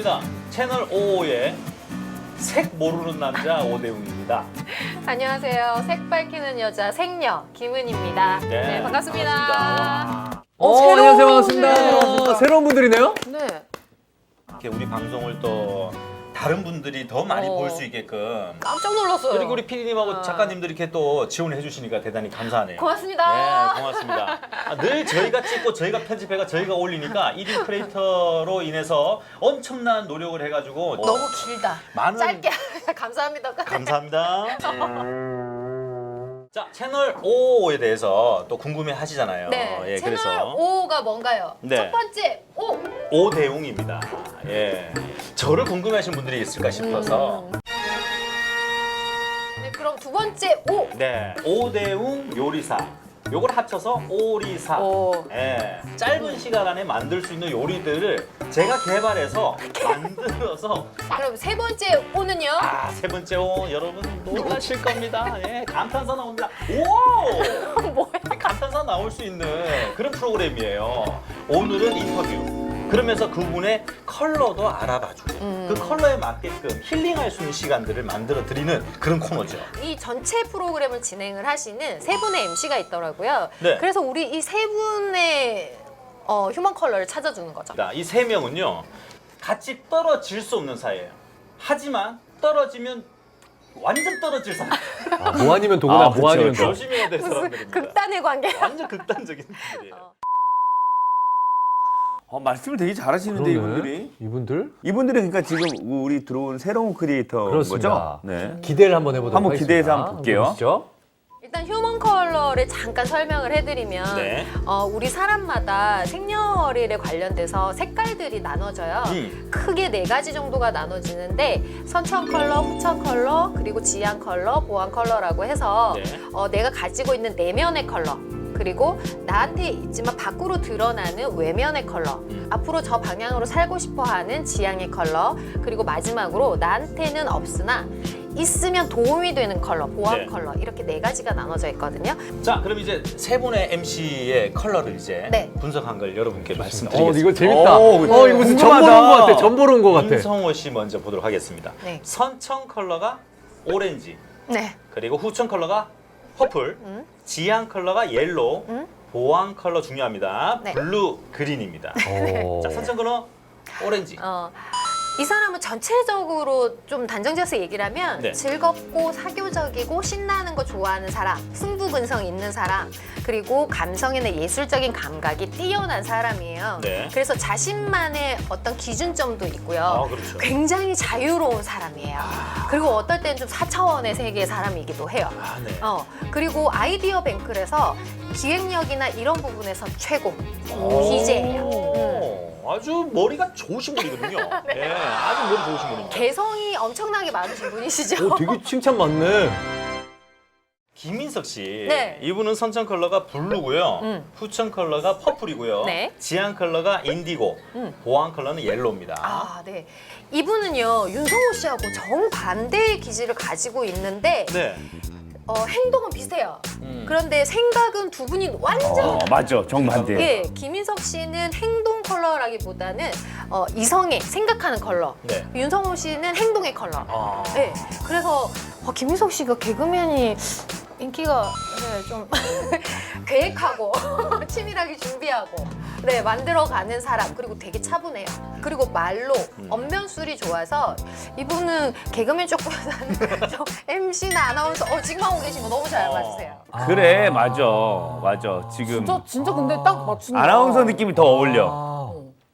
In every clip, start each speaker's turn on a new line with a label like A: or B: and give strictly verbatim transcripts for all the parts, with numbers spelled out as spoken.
A: 자, 채널 오의 색 모르는 남자 오대웅입니다.
B: 안녕하세요. 색 밝히는 여자 색녀 김은입니다. 네,
A: 네,
B: 반갑습니다.
A: 반갑습니다.
C: 어,
B: 어, 새로운
C: 안녕하세요. 반갑습니다.
B: 분들.
C: 새로운 분들이네요?
B: 네.
A: 이렇게 우리 방송을 또 다른 분들이 더 많이
B: 어.
A: 볼 수 있게끔
B: 깜짝 놀랐어요.
A: 그리고 우리 피디님하고
B: 어.
A: 작가님들이 이렇게 또 지원해 주시니까 대단히 감사하네요.
B: 고맙습니다.
A: 네, 고맙습니다. 아, 늘 저희가 찍고 저희가 편집해가 저희가 올리니까 일 인 크리에이터로 인해서 엄청난 노력을 해가지고
B: 너무 길다.
A: 많은
B: 짧게 감사합니다.
A: 감사합니다. 자, 채널 오에 대해서 또 궁금해 하시잖아요.
B: 네.
A: 예,
B: 채널
A: 그래서
B: 오가 뭔가요?
A: 네.
B: 첫 번째 오.
A: 오대웅입니다. 예. 저를 궁금해 하시는 분들이 있을까 싶어서.
B: 음. 네, 그럼 두 번째 오.
A: 네. 오대웅 요리사. 요걸 합쳐서 오리사.
B: 오.
A: 예. 짧은 시간 안에 만들 수 있는 요리들을 제가 개발해서 만들어서
B: 그럼 세 번째 오는요?
A: 아, 세 번째 오 여러분 놀라실 겁니다. 예. 감탄사 나옵니다. 오!
B: 뭐야?
A: 감탄사 나올 수 있는 그런 프로그램이에요. 오늘은 인터뷰. 그러면서 그분의 컬러도 알아봐주고
B: 음.
A: 그 컬러에 맞게끔 힐링할 수 있는 시간들을 만들어 드리는 그런 코너죠.
B: 이 전체 프로그램을 진행을 하시는 세 분의 엠씨가 있더라고요.
A: 네.
B: 그래서 우리 이 세 분의 어, 휴먼 컬러를 찾아주는 거죠.
A: 이 세 명은요 같이 떨어질 수 없는 사이예요. 하지만 떨어지면 완전 떨어질 사람.
C: 아, 뭐 아니면 도구나,
D: 아,
C: 뭐
D: 그쵸,
C: 아니면
D: 그쵸.
C: 도.
A: 조심해야 될
B: 무슨
A: 사람들입니다.
B: 극단의 관계.
A: 완전 극단적인 분들이에요.
B: 어.
D: 어, 말씀을 되게 잘하시는데
C: 그러네.
D: 이분들이.
C: 이분들?
D: 이분들이 그러니까 지금 우리 들어온 새로운 크리에이터인
C: 그렇습니다.
D: 거죠? 네.
C: 기대를 한번 해보도록
D: 한번
C: 하겠습니다.
D: 기대해서 한번 볼게요.
C: 보시죠.
B: 일단 휴먼 컬러를 잠깐 설명을 해드리면
A: 네.
B: 어, 우리 사람마다 생년월일에 관련돼서 색깔들이 나눠져요.
A: 음.
B: 크게 네 가지 정도가 나눠지는데 선천 컬러, 후천 컬러, 그리고 지안 컬러, 보안 컬러라고 해서
A: 네.
B: 어, 내가 가지고 있는 내면의 컬러 그리고 나한테 있지만 밖으로 드러나는 외면의 컬러
A: 음.
B: 앞으로 저 방향으로 살고 싶어하는 지향의 컬러 그리고 마지막으로 나한테는 없으나 있으면 도움이 되는 컬러, 보안
A: 네.
B: 컬러 이렇게 네 가지가 나눠져 있거든요.
A: 자, 그럼 이제 세 분의 엠씨의 컬러를 이제
B: 네.
A: 분석한 걸 여러분께
C: 어,
A: 말씀드리겠습니다.
C: 이거 재밌다.
D: 오,
C: 어, 이거 무슨 점
D: 궁금하다.
C: 보러 온 것 같아. 점 보러 온 것 같아.
A: 윤성호 씨 먼저 보도록 하겠습니다.
B: 네.
A: 선청 컬러가 오렌지,
B: 네.
A: 그리고 후청 컬러가 퍼플,
B: 음.
A: 지안 컬러가 옐로우,
B: 음.
A: 보안 컬러 중요합니다.
B: 네.
A: 블루 그린입니다.
C: 오.
A: 자, 선청 컬러 오렌지.
B: 어, 이 사람은 전체적으로 좀 단정지어서 얘기를 하면
A: 네.
B: 즐겁고 사교적이고 신나는 거 좋아하는 사람, 승부근성 있는 사람, 그리고 감성이나 예술적인 감각이 뛰어난 사람이에요.
A: 네.
B: 그래서 자신만의 어떤 기준점도 있고요.
A: 아, 그렇죠.
B: 굉장히 자유로운 사람이에요. 그리고 어떨 때는 좀 사차원의 세계의 사람이기도 해요.
A: 아, 네.
B: 어, 그리고 아이디어 뱅크에서 기획력이나 이런 부분에서 최고
A: 오.
B: 디제이예요. 음.
A: 아주 머리가 좋으신 분이거든요. 네. 아주 머리 좋으신 분입니다.
B: 개성이 엄청나게 많으신 분이시죠?
C: 오, 되게 칭찬 많네.
A: 김민석 씨,
B: 네.
A: 이분은 선청 컬러가 블루고요,
B: 음.
A: 후청 컬러가 퍼플이고요,
B: 네.
A: 지안 컬러가 인디고,
B: 음.
A: 보안 컬러는 옐로우입니다.
B: 아, 네. 이분은요, 윤성호 씨하고 정반대의 기질을 가지고 있는데,
A: 네.
B: 어, 행동은 비슷해요.
A: 음.
B: 그런데 생각은 두 분이 완전.
D: 어, 맞죠. 정반대.
B: 예, 김인석 씨는 행동 컬러라기보다는 어, 이성의 생각하는 컬러.
A: 네.
B: 윤성호 씨는 행동의 컬러.
A: 아.
B: 네, 그래서 어, 김인석 씨가 개그맨이 인기가 네, 좀 계획하고 치밀하게 준비하고 네 만들어가는 사람 그리고 되게 차분해요. 그리고 말로
A: 음.
B: 언변술이 좋아서 이분은 개그맨 쪽보다는 좀 엠씨나 아나운서 어 지금 하고 계신 거 너무 잘 맞으세요.
D: 그래, 맞아. 맞아. 지금
E: 진짜 진짜 근데 딱 맞춘다.
D: 아나운서 느낌이 더 어울려.
C: 아.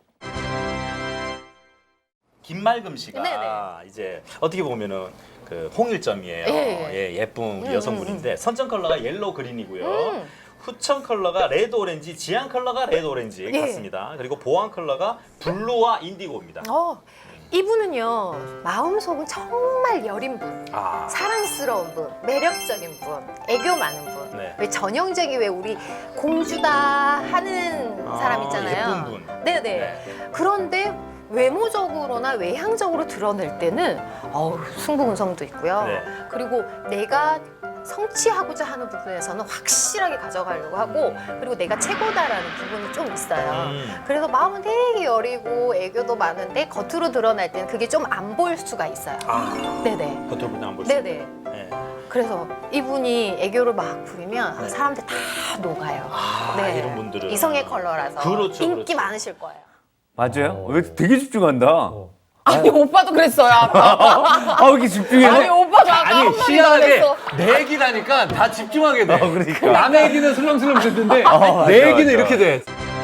A: 김말금 씨가
B: 네네.
A: 이제 어떻게 보면은 그 홍일점이에요.
B: 예.
A: 예, 예쁜
B: 음,
A: 여성분인데 선청 컬러가 옐로우 그린이고요.
B: 음.
A: 후청 컬러가 레드 오렌지, 지안 컬러가 레드 오렌지
B: 예.
A: 같습니다. 그리고 보안 컬러가 블루와 인디고입니다.
B: 어, 이분은요 마음속은 정말 여린 분.
A: 아,
B: 사랑스러운 분, 매력적인 분, 애교 많은 분.
A: 네.
B: 왜 전형적인 왜 우리 공주다 하는
A: 아,
B: 사람 있잖아요.
A: 예쁜 분.
B: 네네.
A: 네.
B: 그런데 외모적으로나 외향적으로 드러낼 때는 어우, 승부근성도 있고요.
A: 네.
B: 그리고 내가 성취하고자 하는 부분에서는 확실하게 가져가려고 하고 그리고 내가 최고다라는 부분이 좀 있어요.
A: 음.
B: 그래서 마음은 되게 여리고 애교도 많은데 겉으로 드러날 때는 그게 좀 안 보일 수가 있어요.
A: 아,
B: 네네.
A: 겉으로 보면 안 볼 수.
B: 네네.
A: 네.
B: 그래서 이분이 애교를 막 부리면
A: 네.
B: 사람들 다 녹아요.
A: 아,
B: 네.
A: 이런 분들은
B: 이성의 컬러라서
A: 그렇죠,
B: 인기
A: 그렇죠.
B: 많으실 거예요.
D: 맞아요?
C: 어.
D: 왜 되게 집중한다.
C: 어.
E: 아니 오빠도 그랬어요. 아까.
D: 아, 왜 이렇게 집중해?
E: 아니 오빠도 아까
C: 아니
E: 한마디도 안
C: 희한하게
E: 했어.
C: 내 얘기라니까 다 집중하게 돼.
D: 어, 그러니까.
C: 남의 얘기는 슬렁슬렁 듣는데
D: 어,
C: 내
D: 맞아,
C: 얘기는
D: 맞아.
C: 이렇게 돼.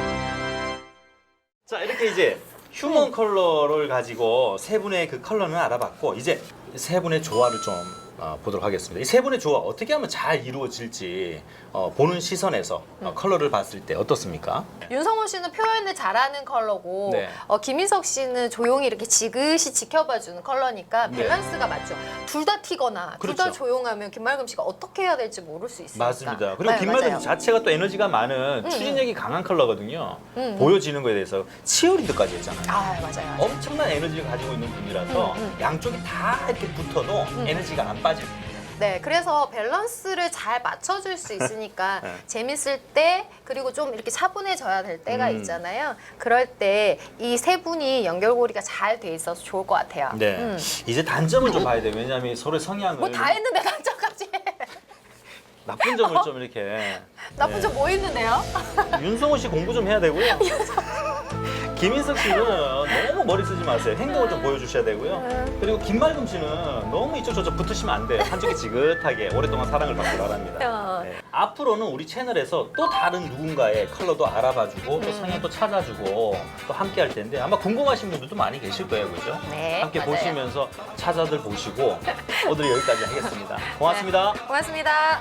A: 자, 이렇게 이제 휴먼 컬러를 가지고 세 분의 그 컬러는 알아봤고 이제 세 분의 조화를 좀 어, 보도록 하겠습니다. 이 세 분의 조화 어떻게 하면 잘 이루어질지 어, 보는 시선에서 어, 컬러를 봤을 때 어떻습니까?
B: 윤성호 씨는 표현을 잘하는 컬러고
A: 네.
B: 어, 김인석 씨는 조용히 이렇게 지그시 지켜봐주는 컬러니까
A: 네.
B: 밸런스가 맞죠. 둘 다 튀거나 둘 다
A: 그렇죠.
B: 조용하면 김말금 씨가 어떻게 해야 될지 모를 수 있으니까.
A: 맞습니다. 그리고
B: 네,
A: 김말금
B: 맞아요.
A: 자체가 또 에너지가 많은
B: 음,
A: 추진력이 강한 컬러거든요.
B: 음, 음.
A: 보여지는 거에 대해서 치어리더까지 했잖아요.
B: 아 맞아요. 맞아요.
A: 엄청난 에너지를 가지고 있는 분이라서
B: 음, 음.
A: 양쪽이 다 이렇게 붙어도 에너지가 안 빠질
B: 네, 그래서 밸런스를 잘 맞춰줄 수 있으니까
A: 네.
B: 재밌을 때 그리고 좀 이렇게 차분해져야 될 때가
A: 음.
B: 있잖아요. 그럴 때 이 세 분이 연결고리가 잘 돼 있어서 좋을 것 같아요.
A: 네.
B: 음.
A: 이제 단점을 좀 봐야 돼요. 왜냐하면 서로의 성향을
B: 뭐 다 했는데 단점까지 해.
A: 나쁜 점을 좀 이렇게
B: 나쁜
A: 네.
B: 점 뭐 있는데요?
A: 윤성호 씨 공부 좀 해야 되고요. 김인석 씨는 너무 머리 쓰지 마세요. 행동을 좀 보여주셔야 되고요. 그리고 김말금 씨는 너무 이쪽 저쪽 붙으시면 안 돼요. 한쪽이 지긋하게 오랫동안 사랑을 받고 바랍니다.
B: 어.
A: 네. 앞으로는 우리 채널에서 또 다른 누군가의 컬러도 알아봐주고 또 성향도 찾아주고 또 함께 할 텐데 아마 궁금하신 분들도 많이 계실 거예요. 그죠?
B: 네,
A: 함께
B: 맞아요.
A: 보시면서 차자들 보시고 오늘 여기까지 하겠습니다. 고맙습니다.
B: 고맙습니다.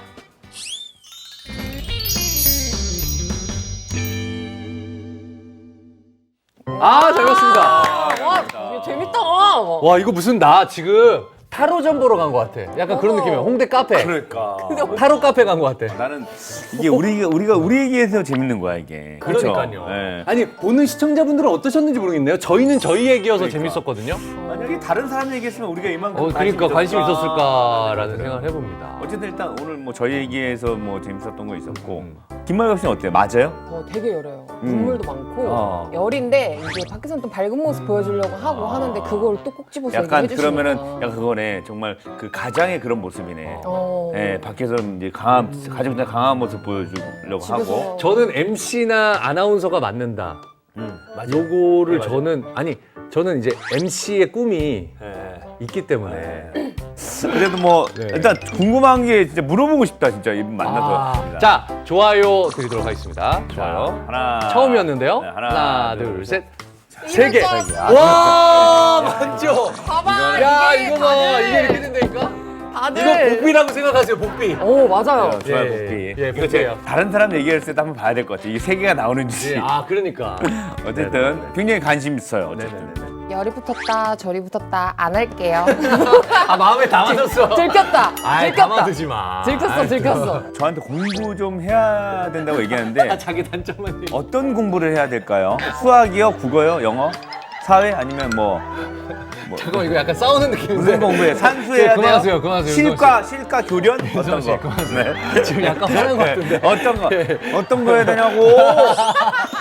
C: 아, 잘 봤습니다.
E: 와 이거 재밌다.
C: 와, 이거 무슨 나 지금 타로점 보러 간 것 같아. 약간 그런
B: 어머.
C: 느낌이야. 홍대 카페.
D: 그러니까.
C: 타로 카페 간 것 같아.
D: 나는 이게 우리가 우리가 우리 얘기해서 재밌는 거야 이게. 그렇죠?
C: 그러니까요.
D: 예.
C: 아니 보는 시청자분들은 어떠셨는지 모르겠네요. 저희는 저희 얘기여서
D: 그러니까.
C: 재밌었거든요.
D: 만약에 다른 사람 얘기했으면 우리가 이만큼
C: 어, 그러니까 관심
D: 있었을까?
C: 있었을까라는 생각을 해봅니다.
D: 어쨌든 일단 오늘 뭐 저희 얘기에서 뭐 재밌었던 거 있었고
C: 음.
D: 김말갑 씨는 어때요? 맞아요?
E: 어, 되게 열해요.
D: 음.
E: 눈물도 많고
D: 어.
E: 열인데 이제 밖에서는 또 밝은 모습 보여주려고 하고
D: 아.
E: 하는데 그걸 또 꼭 집어서
D: 약간
E: 얘기해 주시니까.
D: 그러면은 약간 그거네 정말 그 가장의 그런 모습이네.
E: 어.
D: 예, 밖에서 이제 강한 가족들 강한 모습 보여주려고
E: 집에서
D: 하고.
C: 저는 엠씨나 아나운서가 맞는다.
D: 음.
C: 요거를
A: 네, 맞아요.
C: 저는 아니 저는 이제 엠씨의 꿈이
A: 네.
C: 있기 때문에
D: 그래도 뭐
C: 네.
D: 일단 궁금한 게 진짜 물어보고 싶다 진짜 이분 만나서.
C: 아, 자 좋아요 드리도록 하겠습니다. 좋아요.
D: 하나
C: 처음이었는데요.
D: 네,
C: 하나, 둘,
D: 둘,
C: 셋.
B: 세
C: 개.
B: 개.
C: 와 맞죠.
E: 봐봐
C: 야
E: 이게
C: 이거 봐
E: 다들
C: 이게 이렇게 된다니까.
E: 다들
C: 이거 복비라고 생각하세요 복비.
E: 오 맞아요.
D: 좋아요,
C: 예,
D: 복비.
C: 예,
D: 이거
C: 복비예요.
D: 제가 다른 사람 얘기할 때도 한번 봐야 될 것 같아요. 이게 세 개가 나오는지.
C: 예, 아 그러니까.
D: 어쨌든 굉장히 관심 있어요. 어쨌든.
C: 네네네.
E: 열이 붙었다 절이 붙었다 안 할게요.
C: 아 마음에 담아뒀어.
E: 들켰다.
C: 아이
E: 들켰다.
C: 담아두지 마.
E: 들켰어
C: 아이,
E: 들켰어.
D: 저한테 공부 좀 해야 된다고 얘기하는데
C: 아, 자기 단점만 얘기.
D: 어떤 공부를 해야 될까요? 수학이요, 국어요, 영어, 사회 아니면 뭐, 뭐
C: 잠깐만 이거 약간 싸우는 느낌인데.
D: 무슨 공부해? 산수해야 돼요?
C: 그만하세요, 그만하세요,
D: 실과, 실과 교련 어떤 거?
C: 그만하세요. 지금 약간 화난 것 같은데.
D: 어떤 거? 어떤 거 해야 되냐고?